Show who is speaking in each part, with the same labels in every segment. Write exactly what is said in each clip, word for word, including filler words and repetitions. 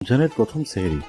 Speaker 1: রমজানের প্রথম সেহরি।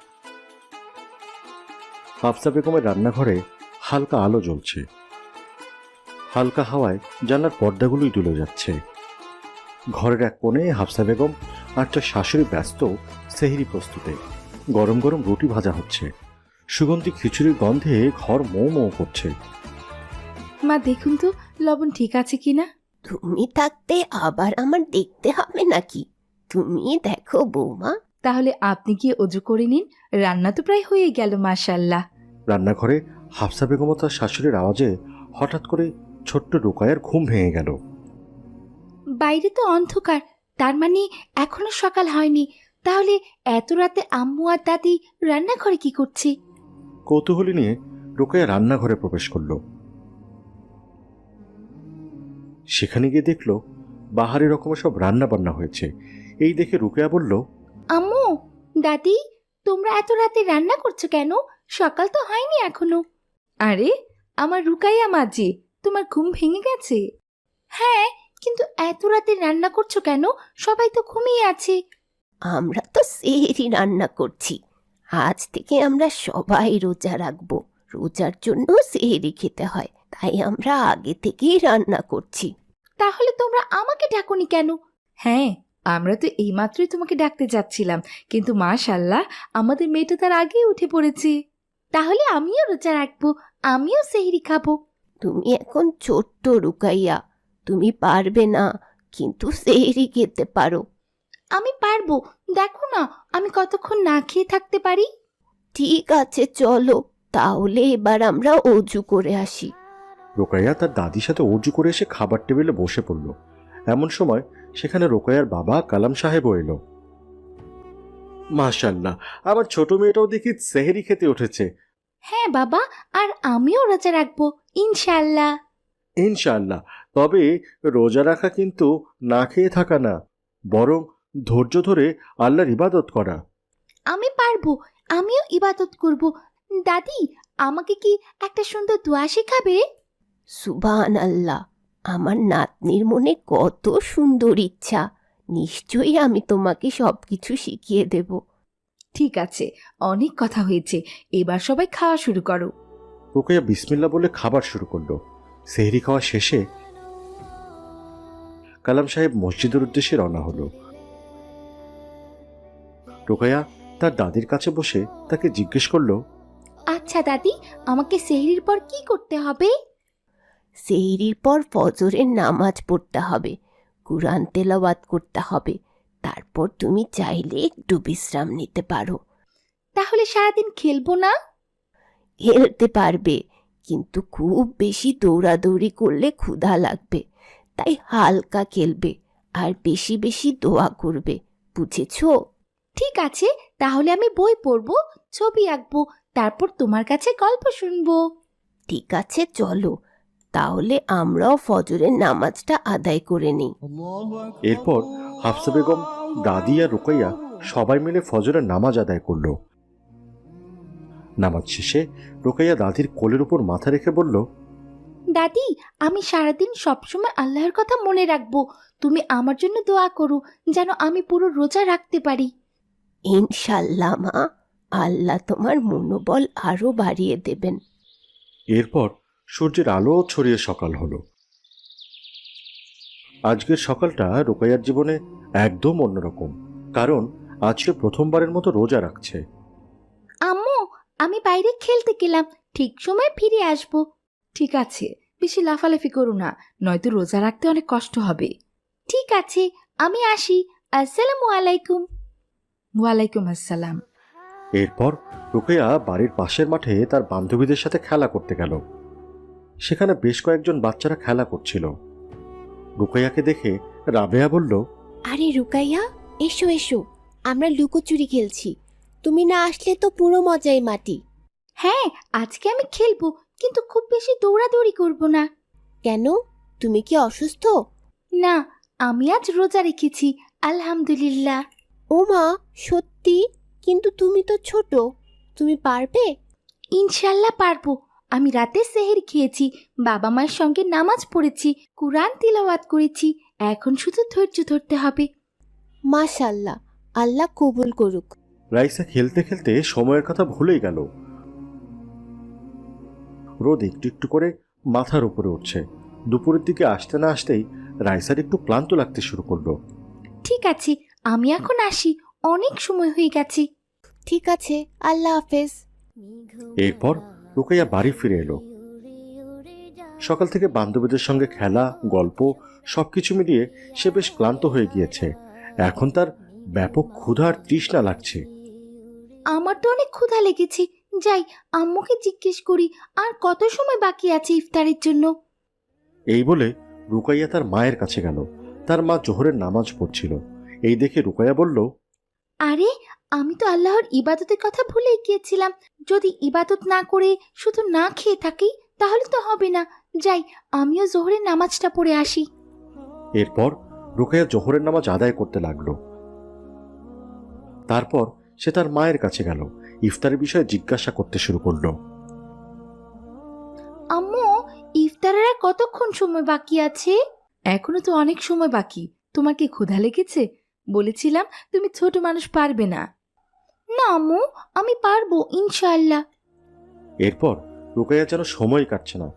Speaker 1: হাফসা বেগমের রান্নাঘরে হালকা আলো জ্বলছে, হালকা হাওয়ায় জানলার পর্দাগুলোই দুলে যাচ্ছে। ঘরের এক কোণে হাফসা বেগম আর তার শাশুড়ি ব্যস্ত সেহরি প্রস্তুতে। গরম গরম রুটি ভাজা হচ্ছে, সুগন্ধি খিচুড়ির গন্ধে ঘর মৌ মৌ করছে।
Speaker 2: মা দেখুন তো লবণ ঠিক আছে কিনা।
Speaker 3: তুমি থাকতে আবার আমার দেখতে হবে নাকি? তুমি দেখো বৌমা।
Speaker 2: তাহলে আপনি গিয়ে অজু করে নিন, রান্না তো প্রায় হয়ে গেল মাশাআল্লাহ।
Speaker 1: রান্নাঘরে হাফসা বেগম ও তার শাশুড়ির আওয়াজে হঠাৎ করে ছোট্ট রোকায়ার ঘুম ভেঙে গেল।
Speaker 2: বাইরে তো অন্ধকার, তার মানে এখনো সকাল হয়নি। তাহলে এত রাতে আম্মু আর দাদি রান্নাঘরে কি করছে?
Speaker 1: কৌতূহলী নিয়ে রোকায়া রান্নাঘরে প্রবেশ করলো। সেখানে গিয়ে দেখলো বাহারি রকমের সব রান্না বান্না হয়েছে। এই দেখে রোকেয়া বলল,
Speaker 2: আম্মু, দাদি, তোমরা এত রাতে রান্না করছো কেন? সকাল তো হয়নি এখনো। আরে আমার রুকাইয়া মাঝি, তোমার ঘুম ভেঙে গেছে? হ্যাঁ, কিন্তু এত রাতে রান্না করছো কেন? সবাই তো ঘুমিয়ে আছে।
Speaker 3: আমরা তো সেহরি রান্না করছি। আজ থেকে আমরা সবাই রোজা রাখবো। রোজার জন্য সেহরি খেতে হয়, তাই আমরা আগে থেকেই রান্না করছি।
Speaker 2: তাহলে তোমরা আমাকে ডাকোনি কেন? হ্যাঁ, আমরা তো এইমাত্রই তোমাকে ডাকতে যাচ্ছিলাম, কিন্তু মাশাআল্লাহ আমাদের মেয়েটা তার আগেই উঠে পড়েছে। তাহলে আমিও রোজা রাখবো, আমিও সেহরি খাবো।
Speaker 3: তুমি এখন ছোট্ট রুকাইয়া, তুমি পারবে না, কিন্তু সেহরি খেতে পারো।
Speaker 2: আমি পারবো, দেখো না আমি কতক্ষণ না খেয়ে থাকতে পারি।
Speaker 3: ঠিক আছে, চলো তাহলে এবার আমরা অজু করে আসি।
Speaker 1: রোকাইয়া তার দাদির সাথে অর্জু করে এসে খাবার টেবিলে বসে পড়ল। এমন সময় সেখানে রোকাইয়ার বাবা কালাম সাহেবও এলো। মাশাআল্লাহ, আমার ছোট মেয়েটাও দেখি সেহরি খেতে উঠেছে।
Speaker 2: হ্যাঁ বাবা, আর আমিও রোজা রাখবো ইনশাআল্লাহ।
Speaker 1: ইনশাআল্লাহ। তবে রোজা রাখা কিন্তু না খেয়ে থাকা না, বরং ধৈর্য ধরে আল্লাহর ইবাদত করা।
Speaker 2: আমি পারবো, আমিও ইবাদত করব। দাদি, আমাকে কি একটা সুন্দর দোয়া শেখাবে?
Speaker 3: সুবহান আল্লাহ, আমার নাতনির মনে কত সুন্দর ইচ্ছা। নিশ্চয়ই আমি তোমাকে সবকিছু শিখিয়ে দেব।
Speaker 2: ঠিক আছে, অনেক কথা হয়েছে, এবার সবাই খাওয়া শুরু করো।
Speaker 1: রোকেয়া বিসমিল্লাহ বলে খাবার শুরু করলো। সেহরি খাওয়া শেষে কালাম সাহেব মসজিদের উদ্দেশ্যে রওনা হলো। রোকেয়া তার দাদির কাছে বসে তাকে জিজ্ঞেস করলো,
Speaker 2: আচ্ছা দাদি, আমাকে সেহরির পর কি করতে হবে?
Speaker 3: সেহরির পর ফজরের নামাজ পড়তে হবে, কুরআন তেলাওয়াত করতে হবে। তারপর তুমি চাইলে একটু বিশ্রাম নিতে পারো।
Speaker 2: তাহলে সারাদিন খেলবো না?
Speaker 3: খেলতে পারবে, কিন্তু খুব বেশি দৌড়াদৌড়ি করলে ক্ষুধা লাগবে। তাই হালকা খেলবে আর বেশি বেশি দোয়া করবে, বুঝেছো?
Speaker 2: ঠিক আছে, তাহলে আমি বই পড়বো, ছবি আঁকবো, তারপর তোমার কাছে গল্প শুনবো।
Speaker 3: ঠিক আছে, চলো তাহলে আমরাও ফজরের নামাজটা আদায় করে নিই।
Speaker 1: এরপর হাফসা বেগম, দাদি আর রোকাইয়া সবাই মিলে ফজরের নামাজ আদায় করল। নামাজ শেষে রোকাইয়া দাদির কোলের উপর মাথা রেখে বলল,
Speaker 2: দাদি, আমি সারাদিন সবসময় আল্লাহর কথা মনে রাখবো। তুমি আমার জন্য দোয়া করো যেন আমি পুরো রোজা রাখতে পারি।
Speaker 3: ইনশাল্লাহ মা, আল্লাহ তোমার মনোবল আরো বাড়িয়ে দেবেন।
Speaker 1: এরপর সূর্যের আলো ছড়িয়ে সকাল হলো। আজকের সকালটা রোকাইয়ার জীবনে একদম অন্যরকম, কারণ আজ সে প্রথমবারের মতো রোজা রাখছে।
Speaker 2: আম্মু, আমি বাইরে খেলতে গেলাম, ঠিক সময় ফিরে আসবো। ঠিক আছে, বেশি লাফালাফি করো না, নয়তো রোজা রাখতে অনেক কষ্ট হবে। ঠিক আছে, আমি আসি। আসসালামু আলাইকুম। ওয়ালাইকুম আসসালাম।
Speaker 1: এরপর রোকেয়া বাড়ির পাশের মাঠে তার বান্ধবীদের সাথে খেলা করতে গেল। সেখানে বেশ কয়েকজন বাচ্চারা খেলা করছিল। রোকেয়াকে দেখে রাবেয়া বলল,
Speaker 3: আরে রুকাইয়া, এসো এসো, আমরা লুকোচুরি খেলছি। তুমি না আসলে তো পুরো মজাই মাটি।
Speaker 2: হ্যাঁ, আজকে আমি খেলবো, কিন্তু খুব বেশি দৌড়াদৌড়ি করব না।
Speaker 3: কেন, তুমি কি অসুস্থ?
Speaker 2: না, আমি আজ রোজা রেখেছি, আলহামদুলিল্লাহ।
Speaker 3: ও মা, সত্যি? কিন্তু তুমি তো ছোট, তুমি পারবে?
Speaker 2: ইনশাল্লাহ পারবো। আমি রাতে সেহরি খেয়েছি, বাবা মায়ের সঙ্গে নামাজ পড়েছি, কুরআন তিলাওয়াত করেছি। এখন শুধু ধৈর্য ধরতে হবে।
Speaker 3: মাশাল্লাহ, আল্লাহ কবুল করুক।
Speaker 1: রাইসা খেলতে খেলতে সময়ের কথা ভুলেই গেল। রোদ একটু একটু করে মাথার উপরে উঠছে। দুপুরের দিকে আসতে না আসতেই রাইসার একটু ক্লান্ত লাগতে শুরু করলো।
Speaker 2: ঠিক আছে, আমি এখন আসি, অনেক সময় হয়ে গেছে।
Speaker 3: ঠিক আছে, আল্লাহ হাফেজ।
Speaker 1: এরপর রুকাইয়া বাড়ি ফিরে এলো। সকাল থেকে বান্ধবীদের সঙ্গে খেলা, গল্প সবকিছু মিলিয়ে সে বেশ ক্লান্ত হয়ে গিয়েছে। এখন তার ব্যাপক ক্ষুধা আর তৃষ্ণা লাগছে।
Speaker 2: আমার তো অনেক ক্ষুধা লেগেছে, যাই আম্মুকে জিজ্ঞেস করি আর কত সময় বাকি আছে ইফতারের জন্য।
Speaker 1: এই বলে রুকাইয়া তার মায়ের কাছে গেল। তার মা জোহরের নামাজ পড়ছিল। এই দেখে রুকাইয়া বলল,
Speaker 2: আরে, আমি তো আল্লাহর ইবাদতের কথা ভুলেই গিয়েছিলাম। যদি ইবাদত না করে শুধু না খেয়ে থাকি তাহলে তো হবে না। যাই, আমিও জোহরের নামাজটা পড়ে আসি।
Speaker 1: এরপর রুকাইয়া জোহরের নামাজ আদায় করতে লাগলো। তারপর সে তার মায়ের কাছে গেল, ইফতারের বিষয়ে জিজ্ঞাসা করতে শুরু করলো।
Speaker 2: আম্মু, ইফতারের আর কতক্ষণ সময় বাকি আছে? এখনো তো অনেক সময় বাকি। তোমার কি ক্ষুধা লেগেছে? বলেছিলাম তুমি ছোট মানুষ, পারবে না। না আম্মু, আমি পারবো ইনশাআল্লাহ।
Speaker 1: এরপর রুকাইয়া যেন সময় কাটছে না।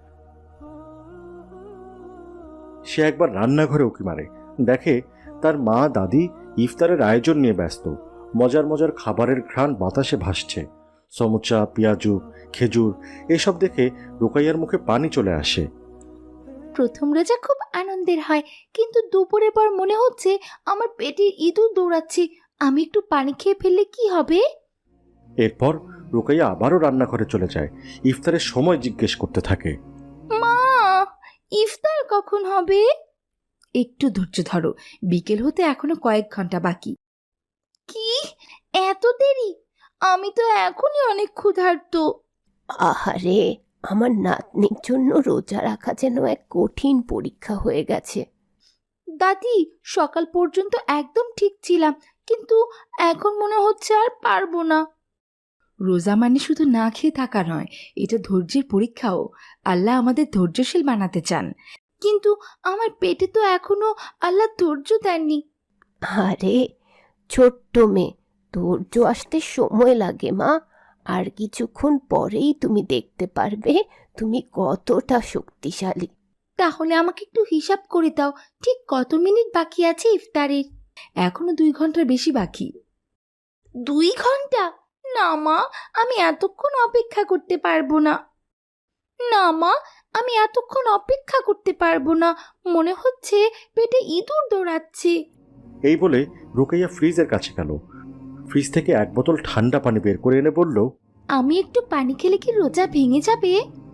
Speaker 1: সে একবার রান্নাঘরে উকি মারে, দেখে তার মা দাদি ইফতারের আয়োজন নিয়ে ব্যস্ত। মজার মজার খাবারের ঘ্রাণ বাতাসে ভাসছে। সমুচা, পেঁয়াজু, খেজুর এসব দেখে রুকাইয়ার মুখে পানি চলে আসে।
Speaker 2: প্রথম রোজা খুব আনন্দের হয়, কিন্তু দুপুরের পর মনে হচ্ছে আমার পেটে ইঁদুর দৌড়াচ্ছে। আমি একটু পানি খেয়ে ফেললে কি হবে?
Speaker 1: এরপর রুকাইয়া আবারও রান্নাঘরে চলে যায়। ইফতারের সময় জিজ্ঞেস করতে থাকে।
Speaker 2: মা, ইফতার কখন হবে? একটু ধৈর্য ধরো, বিকেল হতে এখনো কয়েক ঘন্টা বাকি। কি, এত দেরি? আমি তো এখনই অনেক ক্ষুধার্ত।
Speaker 3: আহারে, আমার নাতনির জন্য রোজা রাখা যেন এক কঠিন পরীক্ষা হয়ে গেছে।
Speaker 2: দাদি, সকাল পর্যন্ত একদম ঠিক ছিলাম, কিন্তু এখন মনে হচ্ছে আর পারবো না। রোজা মানে শুধু না খেয়ে থাকা নয়, এটা ধৈর্যের পরীক্ষাও। আল্লাহ আমাদের ধৈর্যশীল বানাতে চান, কিন্তু আমার পেটে তো এখনো আল্লাহ ধৈর্য দেননি।
Speaker 3: আরে ছোট্ট মেয়ে, ধৈর্য আসতে সময় লাগে মা। আর কিছুক্ষণ পরেই তুমি দেখতে পারবে তুমি কতটা শক্তিশালী।
Speaker 2: তাহলে আমাকে একটু হিসাব করে দাও, ঠিক কত মিনিট বাকি আছে ইফতারের? এখনো দুই ঘন্টার বেশি বাকি। দুই ঘন্টা? না মা, আমি এতক্ষণ অপেক্ষা করতে পারবো না। না মা, আমি এতক্ষণ অপেক্ষা করতে পারবো না। মনে হচ্ছে পেটে ইঁদুর দৌড়াচ্ছে।
Speaker 1: এই বলে রুকাইয়া ফ্রিজের কাছে গেল। ফ্রিজ থেকে এক বোতল ঠান্ডা পানি বের করে এনে বলল,
Speaker 2: আমি একটু পানি খেলে কি রোজা ভেঙে যাবে?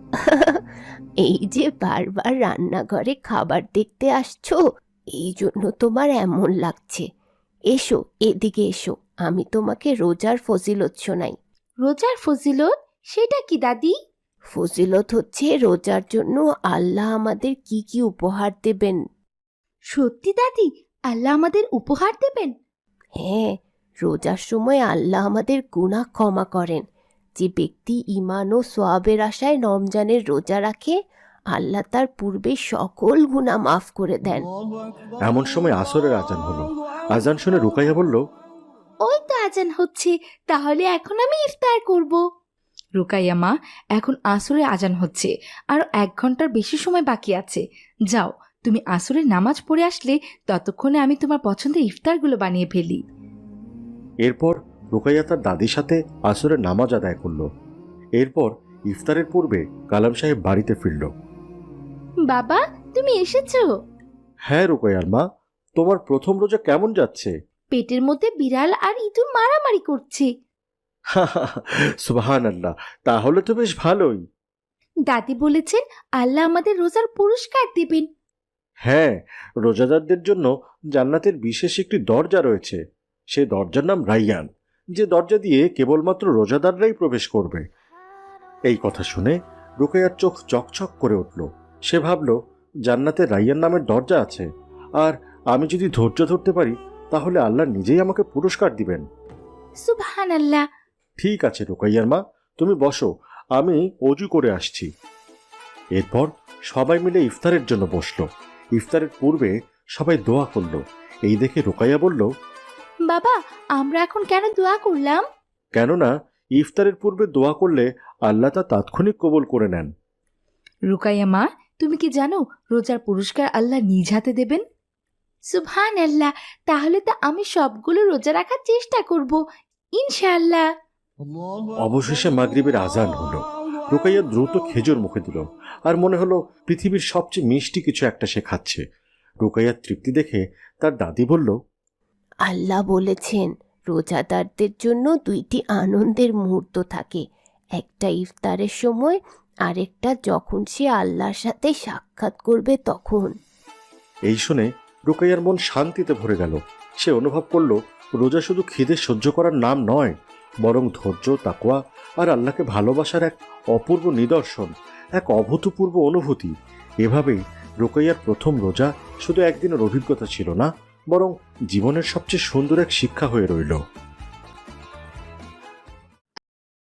Speaker 3: এই যে বারবার রান্নাঘরে খাবার দেখতে আসছো, এই জন্য তোমার এমন লাগছে। এসো, এদিকে এসো, আমি তোমাকে রোজার ফজিলত শোনাই।
Speaker 2: রোজার ফজিলত? সেটা কি দাদি?
Speaker 3: ফজিলত হচ্ছে রোজার জন্য আল্লাহ আমাদের কি কি উপহার দেবেন।
Speaker 2: সত্যি দাদি, আল্লাহ আমাদের উপহার দেবেন?
Speaker 3: হ্যাঁ, রোজার সময় আল্লাহ আমাদের গুনাহ ক্ষমা করেন। যে ব্যক্তি ঈমান ও সোয়াবের আশায় রমজানের রোজা রাখে, আল্লাহ তার পূর্বে সকল গুনাহ মাফ করে দেন।
Speaker 1: এমন সময় আসরের আজান হলো। আজান শুনে রুকাইয়া বলল,
Speaker 2: ওই তো আজান হচ্ছে, তাহলে এখন আমি ইফতার করব। রুকাইয়া মা, এখন আসরের আজান হচ্ছে, আরো এক ঘন্টার বেশি সময় বাকি আছে। যাও, তুমি আসরের নামাজ পড়ে আসলে ততক্ষণে আমি তোমার পছন্দের ইফতারগুলো বানিয়ে ফেলি।
Speaker 1: এরপর রুকাইয়া তার দাদির সাথে আসরের নামাজ আদায় করলো। এরপর ইফতারের পূর্বে কালাম সাহেব বাড়িতে ফিরল।
Speaker 2: বাবা, তুমি এসেছো?
Speaker 1: হ্যাঁ রুকাইয়ার মা, তোমার প্রথম রোজা কেমন যাচ্ছে?
Speaker 2: পেটের মধ্যে বিড়াল আর ইঁদুর মারামারি করছে।
Speaker 1: সুবহান আল্লাহ, তাহলে তো বেশ ভালোই।
Speaker 2: দাদি বলেছেন আল্লাহ আমাদের রোজার পুরস্কার দেবেন।
Speaker 1: হ্যাঁ, রোজাদারদের জন্য জান্নাতের বিশেষ একটি দরজা রয়েছে। সে দরজার নাম রাইয়ান, যে দরজা দিয়ে কেবলমাত্র রোজাদাররাই প্রবেশ করবে। এই কথা শুনে রুকাইয়ার চোখ চকচক করে উঠল। সে ভাবল, জান্নাতে রাইয়ান নামের দরজা আছে, আর আমি যদি ধৈর্য ধরতে পারি তাহলে আল্লাহ নিজেই আমাকে পুরস্কার দিবেন।
Speaker 2: সুবহানাল্লাহ।
Speaker 1: ঠিক আছে রুকাইয়ার মা, তুমি বসো, আমি অজু করে আসছি। এরপর সবাই মিলে ইফতারের জন্য বসলো। ইফতারের পূর্বে সবাই দোয়া করলো। এই দেখে রুকাইয়া বলল,
Speaker 2: বাবা, আমরা এখন কেন দোয়া করলাম?
Speaker 1: কেননা ইফতারের পূর্বে দোয়া করলে আল্লাহ তা তাৎক্ষণিক কবুল করে নেন।
Speaker 2: রুকাইয়া মা, তুমি কি জানো রোজার পুরস্কার আল্লাহ নিজ হাতে দেবেন? সুবহান আল্লাহ, তাহলে তো আমি সবগুলো রোজা রাখার চেষ্টা করব ইনশাআল্লাহ।
Speaker 1: অবশেষে মাগরিবের আজান হলো। রুকাইয়া দ্রুত খেজুর মুখে দিল, আর মনে হলো পৃথিবীর সবচেয়ে মিষ্টি কিছু একটা সে খাচ্ছে। রুকাইয়ার তৃপ্তি দেখে তার দাদি বলল,
Speaker 3: আল্লাহ বলেছেন রোজাদারদের জন্য দুইটি আনন্দের মুহূর্ত থাকে, একটা ইফতারের সময়, আরেকটা যখন সে আল্লাহর সাথে সাক্ষাৎ করবে তখন।
Speaker 1: এই শুনে রুকাইয়ার মন শান্তিতে ভরে গেল। সে অনুভব করলো রোজা শুধু খিদে সহ্য করার নাম নয়, বরং ধৈর্য, তাকওয়া আর আল্লাহকে ভালোবাসার এক অপূর্ব নিদর্শন, এক অভূতপূর্ব অনুভূতি। এভাবেই রুকাইয়ার প্রথম রোজা শুধু একদিনের অভিজ্ঞতা ছিল না, বরং জীবনের সবচেয়ে সুন্দর এক শিক্ষা হয়ে রইল।